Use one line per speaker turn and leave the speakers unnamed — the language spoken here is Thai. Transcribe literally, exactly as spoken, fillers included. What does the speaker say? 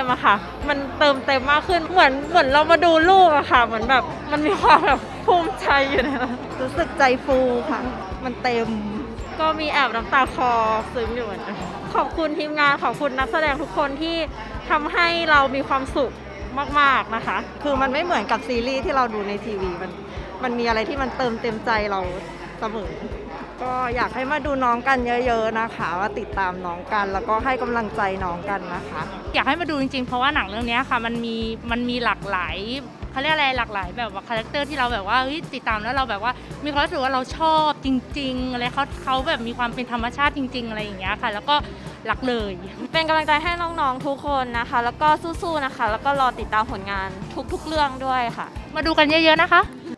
อะค่ะมันเติมเต็มมากขึ้นเหมือนเหมือนเรามาดูลูกอะค่ะเหมือนแบบมันมีความแบบภูมิใจอยู่ในนั้นรู้สึกใจฟูค่ะมันเต็มก็มีแอบน้ำตาคลอซึ้งอยู่เหมือนกันขอบคุณทีมงานขอบคุณนักแสดงทุกคนที่ทำให้เรามีความสุขมากๆนะคะคือมันไม่เหมือนกับซีรีส์ที่เราดูในทีวีมันมันมีอะไรที่มันเติมเต็มใจเราเสมอก็อยากให้มาดูน้องกันเยอะๆนะคะว่าติดตามน้องกันแล้วก็ให้กำลังใจน้องกันนะคะ
อยากให้มาดูจริงๆเพราะว่าหนังเรื่องนี้ค่ะมันมีมันมีหลากหลายเขาเรียกอะไรหลากหลายแบบว่าคาแรคเตอร์ที่เราแบบว่าเฮ้ยติดตามแล้วเราแบบว่ามีความรู้สึกว่าเราชอบจริงๆอะไรเขาเขาแบบมีความเป็นธรรมชาติจริงๆอะไรอย่างเงี้ยค่ะแล้วก็รักเลย
เป็นกำลังใจให้น้องๆทุกคนนะคะแล้วก็สู้ๆนะคะแล้วก็รอติดตามผลงานทุกๆเรื่องด้วยค่ะ
มาดูกันเยอะๆนะคะ